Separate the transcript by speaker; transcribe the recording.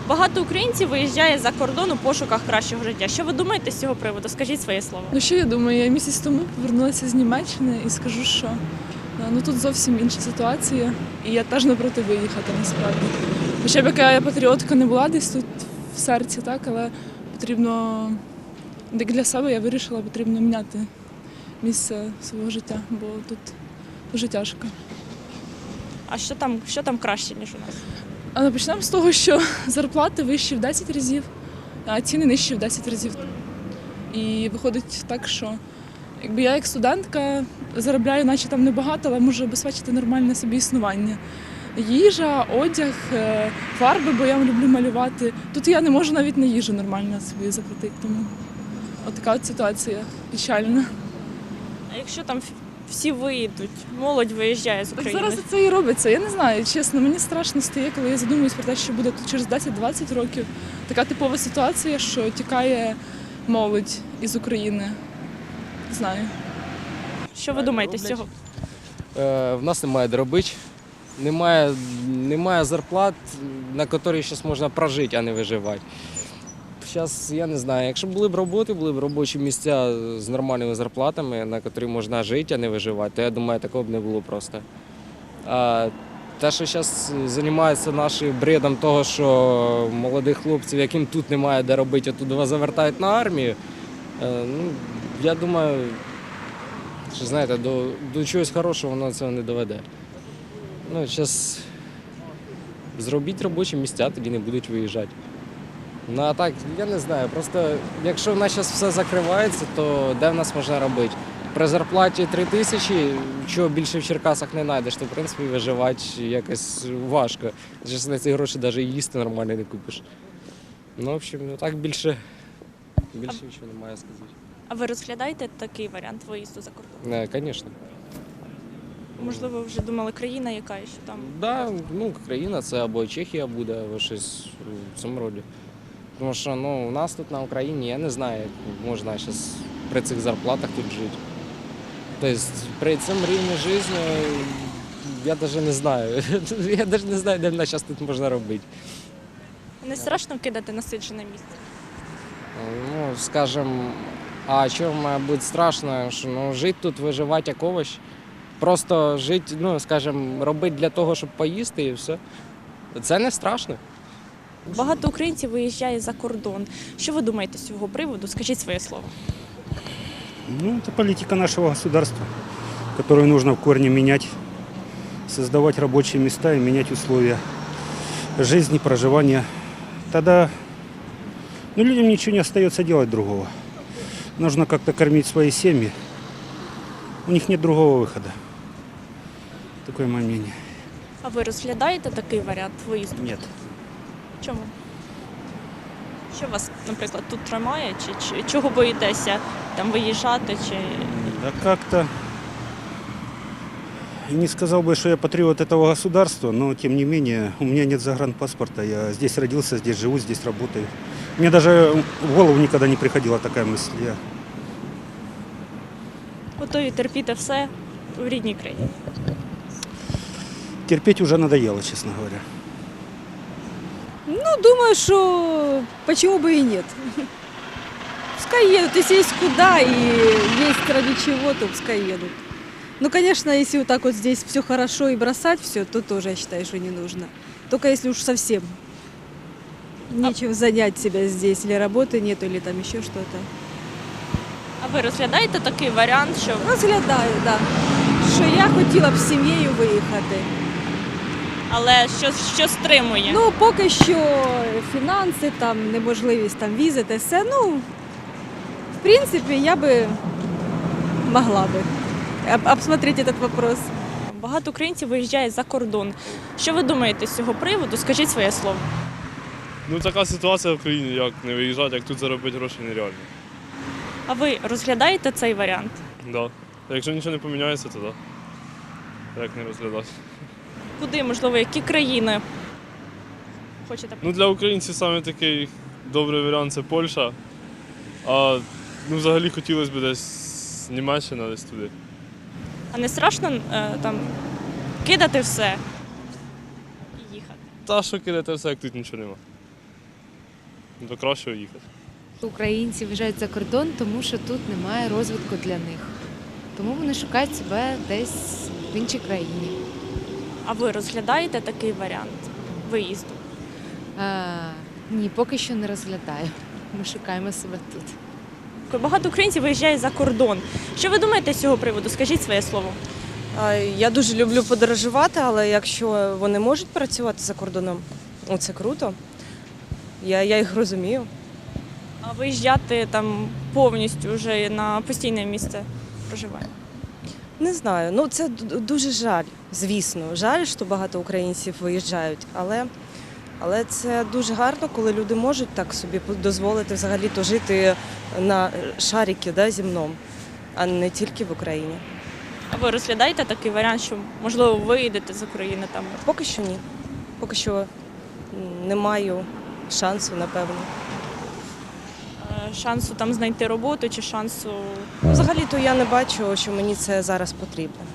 Speaker 1: Багато українців виїжджає за кордон у пошуках кращого життя. Що ви думаєте з цього приводу? Скажіть своє слово.
Speaker 2: Ну що я думаю, я місяць тому повернулася з Німеччини і скажу, що тут зовсім інша ситуація. І я теж не проти виїхати насправді. Хоча б яка я патріотка не була десь тут в серці, так, але потрібно, як для себе я вирішила, потрібно міняти місце свого життя, бо тут дуже тяжко.
Speaker 1: А що там краще, ніж у нас?
Speaker 2: Але почнемо з того, що зарплати вищі в 10 разів, а ціни нижчі в 10 разів. І виходить так, що якби я як студентка заробляю, наче там небагато, але можу забезпечити нормальне собі існування. Їжа, одяг, фарби, бо я люблю малювати. Тут я не можу навіть на їжу нормально собі заплатити. Тому така от ситуація печальна.
Speaker 1: А якщо там всі виїдуть, молодь виїжджає з
Speaker 2: Так
Speaker 1: України?
Speaker 2: зараз це і робиться. Я не знаю, чесно, мені страшно стає, коли я задумуюсь про те, що буде тут через 10-20 років. Така типова ситуація, що тікає молодь із України. Не знаю.
Speaker 1: Що ви думаєте з цього?
Speaker 3: В нас немає де робити, немає зарплат, на які зараз можна прожити, а не виживати. Зараз, я не знаю, якщо були б роботи, були б робочі місця з нормальними зарплатами, на які можна жити, а не виживати, то я думаю, такого б не було просто. А те, що зараз займаються нашим бредом того, що молодих хлопців, яким тут немає де робити, а тут завертають на армію, я думаю, що, знаєте, до чогось хорошого воно цього не доведе. Зараз зробіть робочі місця, тоді не будуть виїжджати. Ну а так, я не знаю, просто якщо в нас зараз все закривається, то де в нас можна робити? При зарплаті 3 тисячі, чого більше в Черкасах не знайдеш, то в принципі виживати якось важко. Зараз на ці гроші навіть їсти нормально не купиш. В общем, так більше нічого немає сказати.
Speaker 1: А ви розглядаєте такий варіант виїзду за кордон?
Speaker 3: Звісно.
Speaker 1: Можливо, ви вже думали, країна яка, що там?
Speaker 3: Так, країна це або Чехія буде, або щось в цьому роді. Тому що у нас тут на Україні, я не знаю, як можна зараз при цих зарплатах тут жити. Тобто при цьому рівні життя я навіть не знаю. Я навіть не знаю, де в нас зараз тут можна робити.
Speaker 1: Не страшно кидати насиджене місце?
Speaker 3: Скажімо, а чому має бути страшно, що жити тут, виживати як овощ. Просто жити, скажімо, робити для того, щоб поїсти і все. Це не страшно.
Speaker 1: Багато українців виїжджає за кордон. Що ви думаєте з цього приводу? Скажіть своє слово.
Speaker 4: Это политика нашего государства, которую нужно в корне менять, создавать рабочие места и менять условия жизни, проживания. Тогда людям ничего не остается делать другого. Нужно как-то кормить свои семьи. У них нет другого выхода. Такое мое мнение.
Speaker 1: А ви розглядаєте такий варіант виїзду?
Speaker 4: Нет.
Speaker 1: Чому? Що вас, наприклад, тут тримає? Чи чого боїтеся там виїжджати?
Speaker 4: Да как-то не сказал бы, что я патриот этого государства, но тем не менее у меня нет загранпаспорта. Я здесь родился, здесь живу, здесь работаю. Мне даже в голову никогда не приходила такая мысль. Я
Speaker 1: Готові терпіти все в рідній країні?
Speaker 4: терпеть уже надоело, честно говоря.
Speaker 5: Думаю, что почему бы и нет. Пускай едут, если есть куда и есть ради чего, то пускай едут. Ну, конечно, если вот так вот здесь все хорошо и бросать все, то тоже, я считаю, что не нужно. Только если уж совсем нечем занять себя здесь, или работы нету, или там еще что-то.
Speaker 1: А ви розглядаєте такий варіант, що
Speaker 5: Розглядаю, так. Що я хотіла б з сім'єю виїхати.
Speaker 1: але що стримує?
Speaker 5: Ну, поки що фінанси, там, неможливість там візи та все. В принципі, я би могла би обсмотрети цей вопрос.
Speaker 1: Багато українців виїжджає за кордон. Що ви думаєте з цього приводу? Скажіть своє слово.
Speaker 6: Така ситуація в країні, як не виїжджати, як тут заробити гроші нереально.
Speaker 1: А ви розглядаєте цей варіант?
Speaker 6: Да. Якщо нічого не поміняється, то так. Як не розглядати.
Speaker 1: Куди, можливо, які країни хочете?
Speaker 6: Для українців саме такий добрий варіант це Польща. А взагалі хотілося б десь Німеччина, десь туди.
Speaker 1: А не страшно там кидати все і їхати?
Speaker 6: Та що кидати все, як тут нічого нема. до кращого їхати.
Speaker 7: Українці виїжджають за кордон, тому що тут немає розвитку для них. Тому вони шукають себе десь в іншій країні.
Speaker 1: А ви розглядаєте такий варіант виїзду?
Speaker 7: Ні, поки що не розглядаю. Ми шукаємо себе тут.
Speaker 1: Багато українців виїжджає за кордон. Що ви думаєте з цього приводу? Скажіть своє слово.
Speaker 8: Я дуже люблю подорожувати, але якщо вони можуть працювати за кордоном, це круто. Я їх розумію.
Speaker 1: А виїжджати там повністю вже на постійне місце проживання?
Speaker 8: Не знаю. Це дуже жаль, звісно. Жаль, що багато українців виїжджають, але це дуже гарно, коли люди можуть так собі дозволити взагалі-то жити на шарикі земному, а не тільки в Україні.
Speaker 1: А ви розглядаєте такий варіант, що, можливо, виїдете з України там?
Speaker 8: Поки що ні. Поки що не маю шансу, напевно.
Speaker 1: Шансу там знайти роботу чи шансу?
Speaker 8: Взагалі-то я не бачу, що мені це зараз потрібно.